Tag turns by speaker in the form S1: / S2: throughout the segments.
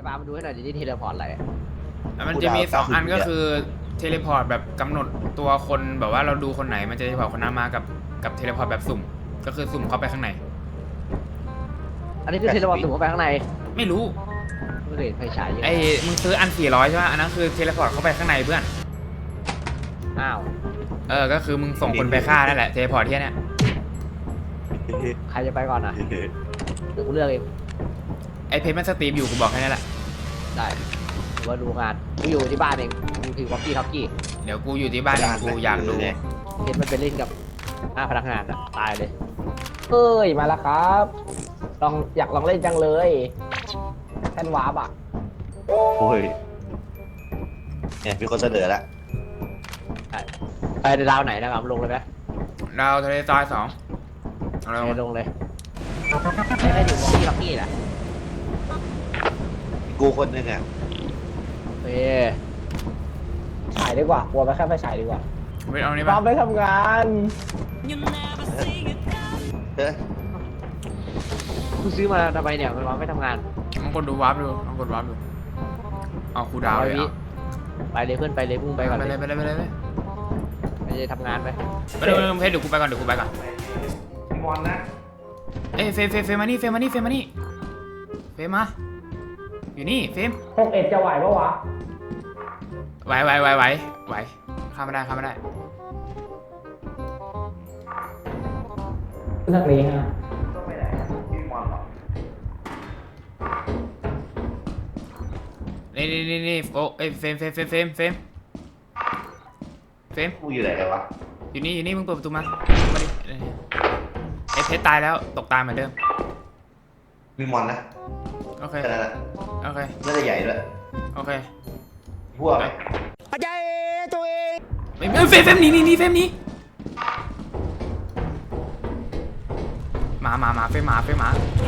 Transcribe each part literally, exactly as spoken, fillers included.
S1: ปามาดูให้หน่อยดิที่เทเลพอร์ตอะไร
S2: มันจะมีสองอันก็คือเทเลพอร์ตแบบกำหนดตัวคนแบบว่าเราดูคนไหนมันจะเทเลพอร์ตคนนั้นมากับกับเทเลพอร์ตแบบสุ่มก็คือสุ่มเข้าไปข้างใน
S1: อันนี้คือเทเลพอร์ตสุ่มเข้าไปข้างใน
S2: ไม่รู้
S1: ไม่เห็นไฟฉาย
S2: ไอ้มึงซื้ออันสี่ร้อยใช่ไหมอันนั้นคือเทเลพอร์ตเข้าไปข้างในเพื่อน
S1: อ้าว
S2: เออก็คือมึงส่งคนไปฆ่านั่นแหละเทเลพอร์ตที่เนี้ย
S1: ใครจะไปก่อนอ่ะเดี๋ยวกูเลือกเอง
S2: ไอ้เพจมันสตรีมอยู่กูบอกแค่นี้แหละ
S1: ได้หรือว่าดูงานกูอยู่ที่บ้านเองกูถือวอกกี้ท็อกกี้
S2: เดี๋ยวกูอยู่ที่บ้านกูอยากดู
S1: เพจมันไปเล่นกับหน้าพนักงานอ่ะตายเลย
S3: เฮ้ยมาแล้วครับลองอยากลองเล่นจังเลยแทนวาร์ปอ่ะ
S4: โอ้ยเนี่ยมีคนเสนอแล้ว
S1: ไปดาวไหนนะครับลงเลยไหม
S2: ดาวทะเลทรายสอง
S1: เอาลงเลยไม่ได้อยู่วอกกี้ท็อกกี้แหละ
S4: กูคนนึงอ่ะ
S1: เฮ้ย
S3: ฉายดีกว่ากลัวไปแค่ไฟฉายดีกว่า
S2: ไม่เอานี่
S3: ป
S2: ป่ะ
S3: ไปทำงาน
S4: เฮ้ย
S1: กูซื้อมาทำไมเนี่ยมันวางไม่ทำงาน
S2: ลองกดดูวาร์ปดูลองกดวาร์ปดูเอาคูดาวเลยอ่ะ
S1: ไปเลยเพื่อนไปเลยพุ่งไปก่อน
S2: ไปเลยไปเลยไปเลย
S1: ไปเลยทำงานไป
S2: ไปเลยเพจเดี๋ยวกูไปก่อนเดี๋ยวกูไปก่อน
S4: บอลนะ
S2: เอ้ยเฟมเฟมเฟมมานี่เฟมมานี่เฟมมานี่เฟมมาอยู่นี่เฟม
S3: หกเอ็ดจะไหวปะวะ
S2: ไหวไหวไหวไหวไหวข้ามไม่ได้ข้ามไม่ได้
S3: นักเรียนฮะ
S2: นี่นี่นี่นี่โอ้เอ้ยเฟมเฟมเฟมเฟมเฟมเฟม
S4: กูอยู่ไหนกันวะ
S2: อยู่นี่อยู่นี่มึงเปิดประตูมามาดิไอ้เพชรตายแล้วตกตายเหมือนเดิม
S4: มีมอนนะ
S2: โอเค
S4: แค่นั้นแหละ
S2: โอเค
S4: น่าจะใหญ่ด้วย
S2: โอเค
S4: พวกไป
S3: อาจารย์ตัวเอง
S2: ไม่เฟมเฟมนี่นี่นี่เฟมนี่มามามาเฟมมาเฟมมา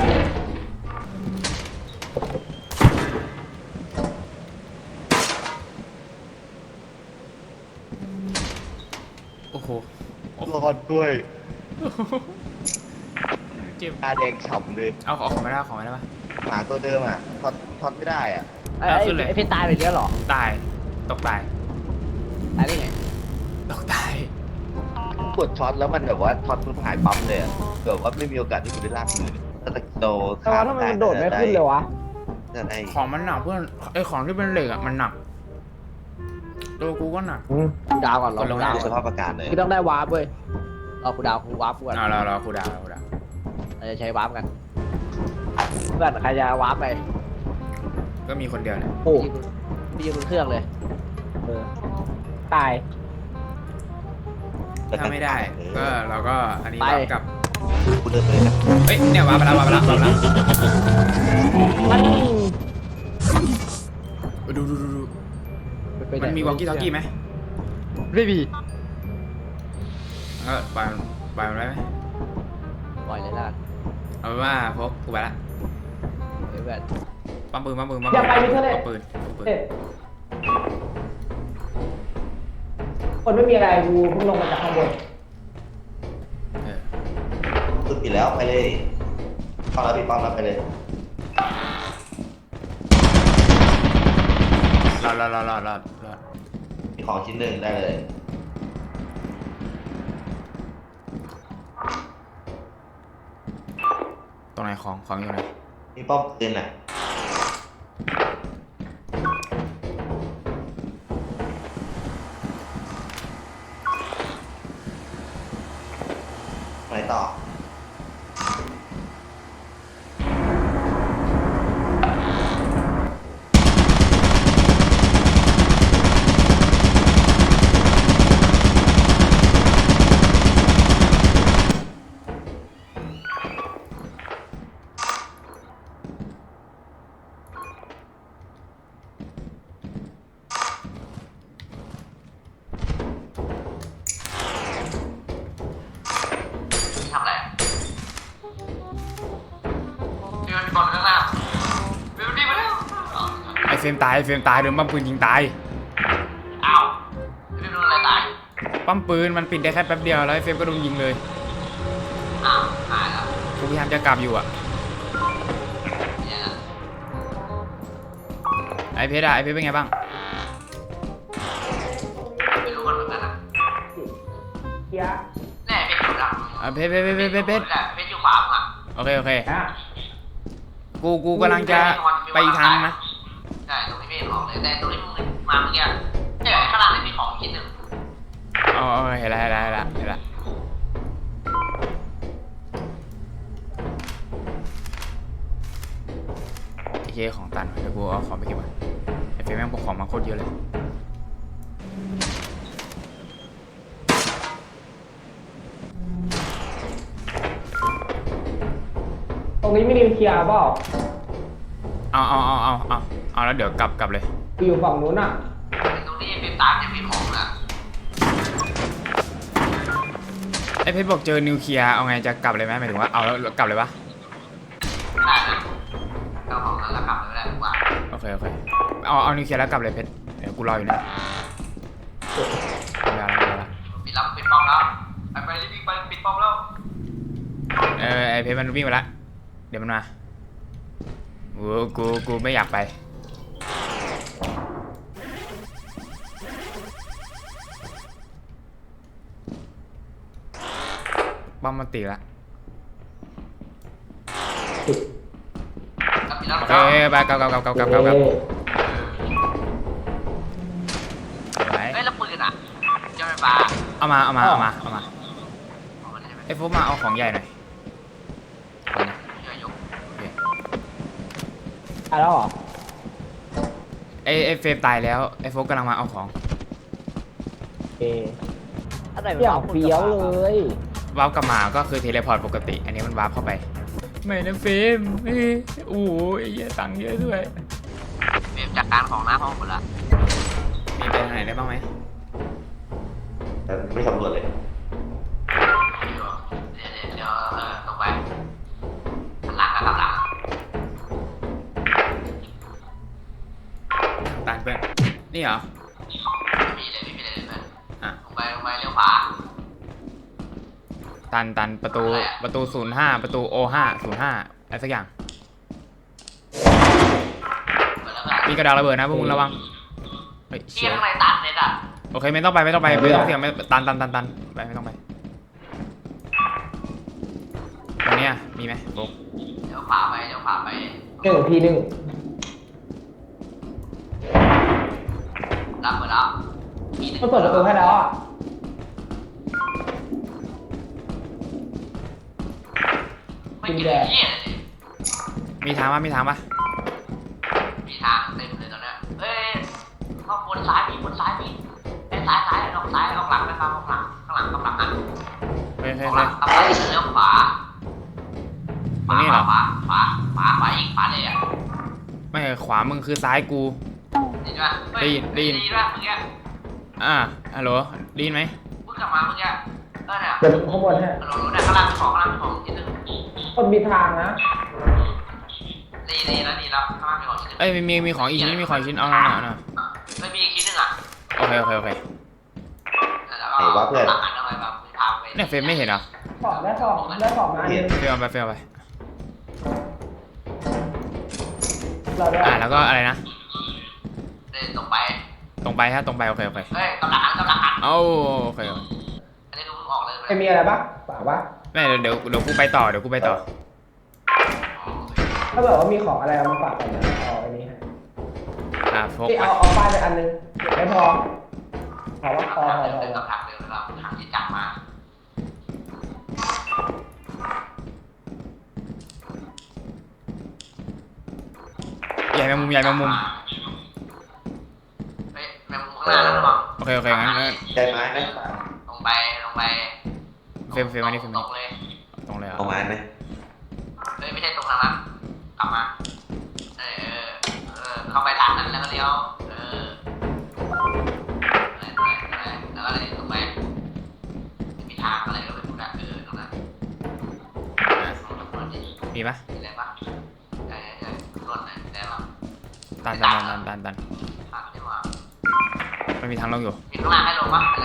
S2: โอ้โห
S4: รอดด้วย
S2: เจ็บ
S4: ตาแดงฉ่ำเลย
S2: เอาของไม่ได้ของไม่ได้ปะ
S4: หมาตัวเดิมอ่ะทอดทอดไม่ได้อ่ะ
S1: ไอ้ไอ้เพชรตายไปเยอะหรอ
S2: ตายตกตาย
S1: ตายได้ไง
S2: ตกตาย
S4: กดช็อตแล้วมันแบบว่าช็อตมันหายปั๊มเลยแบบว่าไม่มีโอกาสที่จะได้ลากมือถ้าตะโด
S3: ข้ามได้โดดไม่ขึ้นเลยวะ
S2: ของมันหนักเพื่อนไอของที่เป็นเหล็กอ่ะมันหนักตัวกูก็หนัก
S1: กูดาวก่อนรอ
S4: ลงดาวสภาพอากาศเลย
S1: คือต้องได้วาร์ปเว้ยรอกูดาวกูวาร์ปก่อน
S2: รอรอรอกูดาวกูดาว
S1: เราจะใช้วาร์ปกันเพื่อนใครจะวาร์ปไป
S2: ก็มีคนเดียวเนี่ย
S1: โอ้มีบนเครื่องเลย
S3: เออตาย
S2: ถ้าไม่ได้ก็เราก็อันนี้วาร์ปกับ
S4: กูเดินไปเลย
S2: เฮ้ยเนี่ยวาร์ปไปแล้ววาร์ปไปแล้ววาร์ปไปแล้วดูดูดูดูมันมีวอลกี้ทอกกี้ไหม
S1: ไม่มี
S2: เออปล่อยปล่อยมันไว้ไหม
S1: ปล่อยเลยละ
S2: เอาเป็นว่าพกกูไปละ
S1: เดี๋ยวแบบ
S2: ปั๊มปืนปั๊มปืนปั๊มปืนปั๊มปืน
S3: คนไม่มีอะไรกูเพิ่งลงมาจากข้างบน
S4: ตุดปิดแล้วไปเลยปั๊มแล้วปิดปั๊มแล้วไปเลย
S2: รอดรอดรอดรอดรอดรอด
S4: มีของชิ้นหนึ่งได้เลย
S2: ตรงไหนของของอยู่ไหน
S4: มีป้อมปืนอ่ะไปต่อ
S2: ไอเฟรมตายไอเฟรมตายโดนปั๊มปืนยิงตาย
S1: อ้าวเฟรมโดนอะไรตาย
S2: ปั๊มปืนมันปิดได้แค่แป๊บเดียวแล้วไอเฟรมก็โดนยิงเลย
S1: อ้าวหายแล้ว
S2: กูพยายามจะกลับอยู่อ่ะไอเพชรอะไอเพชรเป็นไงบ้าง
S1: ไม่รู้กันเหมือนกันนะ
S3: เกียร์
S1: แน่เป็นอยู่แล้ว
S2: อ่ะเพชรเพชรเพชรเพชรเพชรเพชร
S1: เป็นอยู่ขวามึงอ่ะ
S2: โอเคโอเค
S3: อ่ะ
S2: กูกูกำลังจะไปอีกทางนะ
S1: ใช่ตรงนี้ไม่เห็นของเลยแต่ตรงนี้มึงมาเมื่อกี้เนี่ยข้างล่างนี่มีของชิ้นหนึ่ง
S2: อ๋อเห็นแล้วเห็นแล้วเห็นแล้วเห็นแล้วโอเคของตันเดี๋ยวกูเอาของไปเก็บก่อนไอเฟรมแม่งพกของมาโคตรเยอะเลย
S3: ตรงนี้ไม่นิวเคลียร์เปล่า
S2: เอาเอาเอาเอาเอาเอาแล้วเดี๋ยวกลับกลับเลย
S3: กูอยู่ฝั่งนู้นอ่ะ
S1: ตรงนี้เป็นตามจะมีของอ่ะ
S2: ไอเพชรบอกเจอนิวเคลียร์เอาไงจะกลับเลยไหมหมายถึงว่าเอาแล้วกลับเลยปะ
S1: ได้นะเอาของนั้นแล้วกลับไปได้ดีกว่า
S2: โอเคโอเคเอาเอานิวเคลียร์แล้วกลับเลยเพชรเดี๋ยวกูรออยู่นะไม่เอาแล้วไม่เอาแล้ว
S1: ปิดรับปิดป้อมแล้วไปไปรีบไปปิดป้อมแล้ว
S2: เออไอเพชรมันวิ่งไปละเดี๋ยวมันมากูกูกูไม่อยากไปป้อมมันตีละ
S1: ปิดรับ
S2: โอเคไปกลับกลับกลับกลับกลับกลับกลับไป
S1: เฮ้ยแล้วปืนอ่ะจะไปปา
S2: เอามาเอามาเอามาเอามา
S1: เอามาได้ไหม
S2: ไอ้โฟกมาเอาของใหญ่หน่อย
S1: ช่วยยก
S3: อ่ะแล้วเหรอ
S2: ไอ้ไอ้เฟรมตายแล้วไอ้โฟกกำลังมาเอาของ
S3: เออย่างเฟี้ยวเลย
S2: วาร์ปกลับมาก็คือเทเลพอร์ตปกติ อันนี้มันวาร์ปเข้าไปไม่นะเฟรมเอ้ยโอ้โหไอ้เหี้ยตังค์เยอะด้วย
S1: เตรียมจัดการของหน้าห้องหมดละ
S2: มีไปทางไหนได้บ้างไหม
S4: แต่ไม่สำรวจเลย
S1: เดี๋ยวเดี๋ยวเดี๋ยวเออลงไปหลังกับหลัง
S2: ตานเพื่อนนี่เหรอ
S1: ไม่มีเลยไม่มีเลยเพื่อน
S2: อ่ะ
S1: ลงไปลงไปเลี้ยวขวา
S2: ตันตันประตู
S1: อะไรอะ
S2: ประตูศูนย์ห้าประตูโอห้าศูนย์ห้าอะไรสักอย่าง
S1: เปิดแล้วกัน
S2: มีกระดาษระเบิดนะพวกมึงระวังเฮ้ย
S1: เชี่
S2: เชี่
S1: ย
S2: ย
S1: ข้างในตันเลยอ่ะ
S2: โอเคไม่ต้องไปไม่ต้องไปไม่ต้องเสี่ยงไม่ตันตันตันตันไปไม่ต้องไปตรงเนี้ยมีไหมโฟก
S1: เลี้ยวขวาไปเลี้ยวขวาไป
S3: หนึ่งทีหนึ่ง
S1: รับเปิดแล้วมี
S3: มันเปิดประตูให้แล้วอ่ะ
S1: ไม่กินเลยเชี่ยเลย
S2: มีทางปะมีทางปะ
S1: มีทางเต็มเลยตอนเนี้ยเฮ้ยเข้าบนซ้ายมีบนซ้ายมีไอ้ซ้ายซ้ายออกซ้ายออกหลังไปฟังออกหลังข้างหลังข้างหลังอ่ะ
S2: เฮ้ย
S1: อ
S2: เฮ้ย
S1: อกห
S2: เฮ้
S1: ลั
S2: ย
S1: งเอาไปเลี้ยวขวา
S2: ตรงนี้เหรอ
S1: ขวาขวาขวาขวาอีกขวาเลยอ่ะ
S2: ไม่ขวามึงคือซ้ายกู
S1: ได้ยินป่ะ
S2: ได้ยินได้ยิน
S1: ได้ยินป่ะเมื่อกี้
S2: อ่าฮัลโหลได้ยินไหม
S1: เพิ่งกลับมาเมื่อกี้เออเนี่ย
S3: เดี๋ยวข้างบนให้
S1: เรารู้นะข้างล่างมีของข้างล่างมีของชิ้นหนึ่ง
S3: คนมีทางนะ
S1: ดีดีแล้วดีแล้วข้างล่างมีของชิ้นหนึ่ง
S2: เอ้ยมีมีมีของอีกชิ้นมีของอีกชิ้นเอาหน่อยเอาหน่อย
S1: ไม่มีอีกชิ้นหนึ่งอ่ะ
S2: โอเคโอเคโอเค
S1: แล้วก็หลังอันอะไรแบบมีทางไป
S2: เนี่ยเฟรมไม่เห็นเหรอ
S3: สองได้สองได้สองนะ
S2: เฟรมเอาไปเฟรมเอาไป
S3: เราได้
S2: อ่าแล้วก็อะไรนะ
S1: เดินตรงไป
S2: ตรงไปฮะตรงไปโอเคโอเค
S1: เฮ้ยกำลังหันกำลังหัน
S2: เอาโอเคโอเค
S1: อันนี้ดูออกเลย
S3: จะมีอะไรบ้างป่าวะ
S2: ไม่เดี๋ยวเดี๋ยวเดี๋ยวกูไปต่อเดี๋ยวกูไปต่อ
S3: ถ้าแบบว่ามีของอะไรเอามาฝากกันนะเอาอันนี้ให้
S2: อ่าโฟก
S3: ที่
S2: ไป
S3: เอาเอาป้ายไปอันนึงไม่พอพอว่าพอพอพอ
S1: เดิน
S3: พอ
S1: กับทางเดินเราทางที่จับมา
S2: ใหญ่แมงมุมใหญ่แมงมุม
S1: เฮ้ยแมงมุมข้างหน้าระวัง
S2: โอเคโอเคงั้นงั้น
S4: ได้ไหมไหม
S1: ลงไปลงไป
S2: เฟรมเฟรมอันนี้เฟรม
S1: ตรงเลย
S2: ตรงเลยเหรอ
S4: เอาไม้ไหม
S1: เฮ้ยไม่ใช่ตรงทางนั้นกลับมาเออเออเออเข้าไปทางนั้นแล้วก็เลี้ยวเออแล้วก็เลยตรงไปมีทางอะไรก็ไม่รู้นะเออตรงนั้น
S2: อ่ะมีปะ
S1: อะไรปะใช่ใช่รถไหนแต่ว่า
S2: ตันตันตันตันตัน
S1: ทางที่ว่า
S2: มันมีทางลงอยู่
S1: มีข้างล่างให้ลงปะอะไร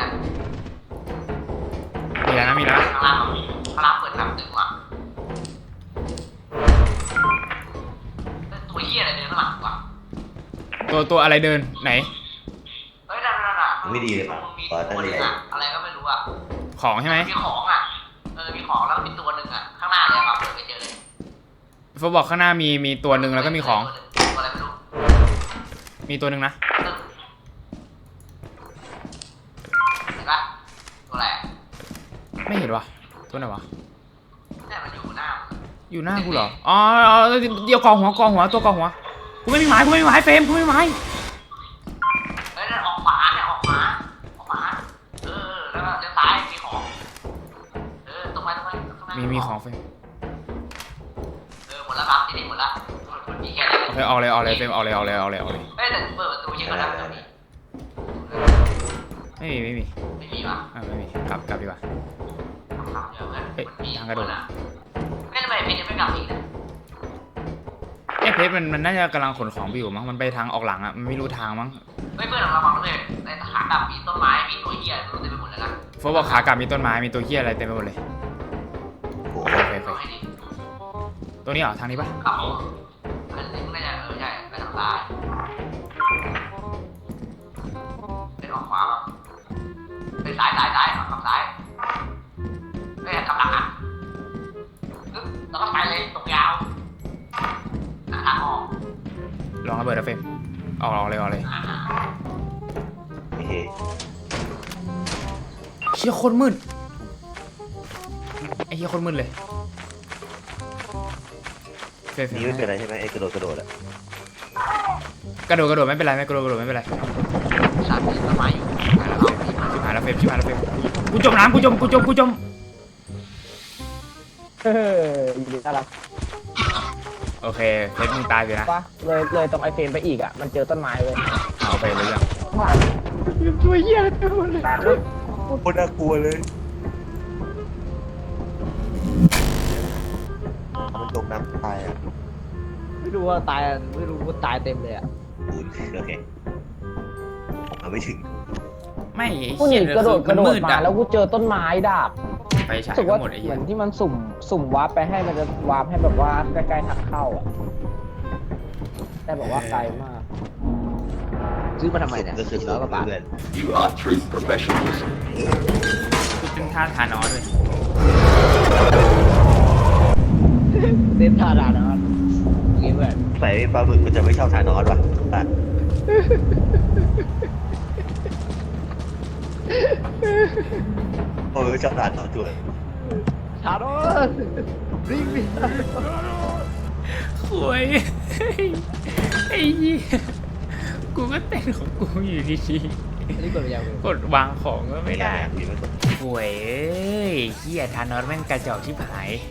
S2: มีแล้วนะมีแล้วนะ
S1: ข้างล่างข้างล่างเปิดทางตึกว่ะตัวเหี้ยอะไรเดินข้างหลังวะ
S2: ตัวตัวอะไรเดินไหน
S1: เฮ้ยนั่นนั่นน่ะ
S4: ไม่ดีเลย
S1: มั
S4: ป่ะ
S1: นมี
S4: ตอน
S1: ตั
S4: ตั้ง
S1: วหนึ
S4: เรี
S1: ง
S4: ยน
S1: อะอะไรก็ไม่รู้อะ
S2: ของใช่ไหม
S1: มีของอะเออมีของแล้วมีตัวหนึ่งอะข้างหน้าเลยครับเปิดไปเจอเลย
S2: โฟบอกข้างหน้ามีมีตัวหนึ่งแล้วก็มีของ
S1: ตัวอะไรไม่รู้
S2: มีตัวหนึ่งนะ
S1: ตึ้งเห็นปะตัวอะไรอะ
S2: ไม่เห็นวะตัวไหนวะ
S1: เนี่ยมันอยู่หน้า
S2: อยู่หน้ากูเหรออ๋ออ๋อเดี๋ยวกองหัวกองหัวตัวกองหัวกูไม่มีไม้กูไม่มีไม้เฟรมกูไม่มีไม้
S1: เฮ้ยนั่นออกขวาเนี่ยออกขวาออกขวาเออแล้วก็เลี้ยวซ้ายมีของเออตรงไปตรงไปตรงไป
S2: มีมีของเฟรม
S1: เออหมดแล้วครับทีนี้หมดแล้วมันมีแค่นี้
S2: โอเคเอาเลยเอาเลยเฟรมเอาเลยเอาเลยเอาเลยเอาเลย
S1: เฮ้ยแต่เปิดประตูเช็คก่อนนะตรงนี้
S2: ไม่มีไม่มี
S1: ไม่มีวะ
S2: อ่าไม่มีกลับกลับดีกว่า
S1: ทำเยอะเพื่อน
S2: เฮ้ย
S1: มันมี
S2: ทางกระโดด
S1: คนอะไม่ทำไมเพชรยังไม่กลับอีกนะ
S2: เอ้เพชรมันมันน่าจะกำลังขนของไปอยู่มั้งมันไปทางออกหลังอ่ะมันไม่รู้ทางมั้ง
S1: เฮ้ยเพื่อนของเราบอกเลยในขากลับมีต้นไม้มีตัวเหี้ยไม่รู้เต็มไปหมดเลยนะ
S2: โฟบอกขากลับมีต้นไม้มีตัวเหี้ยอะไรเต็มไปหมดเลย
S4: โอ้
S2: โอ
S4: โห
S2: เคโอเค
S1: เอา
S2: โอเค
S1: ให้ดี
S2: ตัวนี้เหรอทางนี้ปะ
S1: กลับเอาอันนี้มันน่าจะเออใช่ไปทางซ้ายเป็นออกขวาป่ะไปซ้ายซ้ายซ้ายออกทางซ้ายเฮ้ยกลับหลังอ่ะปึ๊บแล้วก็ไปเลยตรงยาวหาทางออก
S2: ลองระเบิดนะเฟรมออกออกเลยออกเลย
S1: อ่า
S4: โอเค
S2: เชี่ยโคนมืดไอ้เหี้ยโคนมืดเลยเฟรมเฟร
S4: นี่ไม่
S2: ม
S4: เป็นไรใช่ไหมไอ้กระโดดกระโดดอะ
S2: กระโดดกระโดดไม่เป็นไรไม่กระโดดกระโดดไม่เป็นไร
S1: ชาร์จต้นไม้อยู่ไปแล้วครับ
S2: ชิบหายแล้วเฟรมชิบหายแล้วเฟรมกูจมน้ำกูจมกูจมกูจม
S3: เออยินดีต้อนรับ
S2: โอเคเฟรมมึงตายไปนะ
S3: ปะเลยเลยตรงไอเฟรมไปอีกอ่ะมันเจอต้นไม้เลย
S2: เอาไปเลยยัง
S3: ตัวเหี้ยอะไรไปหมดเลย
S4: โคตรน่ากลัวเลยมันจมน้ำตายอ่ะ
S3: ไม่รู้ว่าตายไม่รู้ว่าตายเต็มเลยอ่ะ
S4: อูนโอเคเอาไม่ถึง
S2: ไม่ไอ้
S3: กูห
S2: เหี้
S3: นี
S2: ย
S3: กระโดดก
S2: มั
S3: ระ
S2: น
S3: โด
S2: มื
S3: ด
S2: ด
S3: มา
S2: อะ
S3: แล้วกูเจอต้นไม้ดาบ
S2: ไปฉาย
S3: รู้สึก
S2: ก็
S3: ว่า
S2: หมดไอ้
S3: เห
S2: เหี้
S3: มื
S2: ย
S3: อนที่มันสุ่มสุ่มวาร์ปไปให้มันจะวาร์ปให้แบบว่าใกล้ๆทางเข้าอ่ะแต่บอกว่าไกลมากซื้อมาทำไมเนี่ย
S4: ก็คือ
S3: สี่ร้อยกว่าบาท
S4: เพื่อน
S5: You are true professionals.
S2: เป็นท่าทานอสด้วย
S3: เต้นท่าดานะงี้เพื่อน
S4: ใส่ปลาหมึกมันจะไม่ชอบทานอสว่ะอ่ะโอ้ยชอบทานอสด้วย
S3: ทานอสริงดิ
S2: โวย ไอ้เหี้ยกูก็เต้นของกูอยู่ดี
S3: อันนี้กดไปยัง
S2: ๆกดวางของก็ไม่ได้
S4: มีไม่กด
S2: โวยเอ้ยเหี้ยทานอสแม่งกระจอกชิบหาย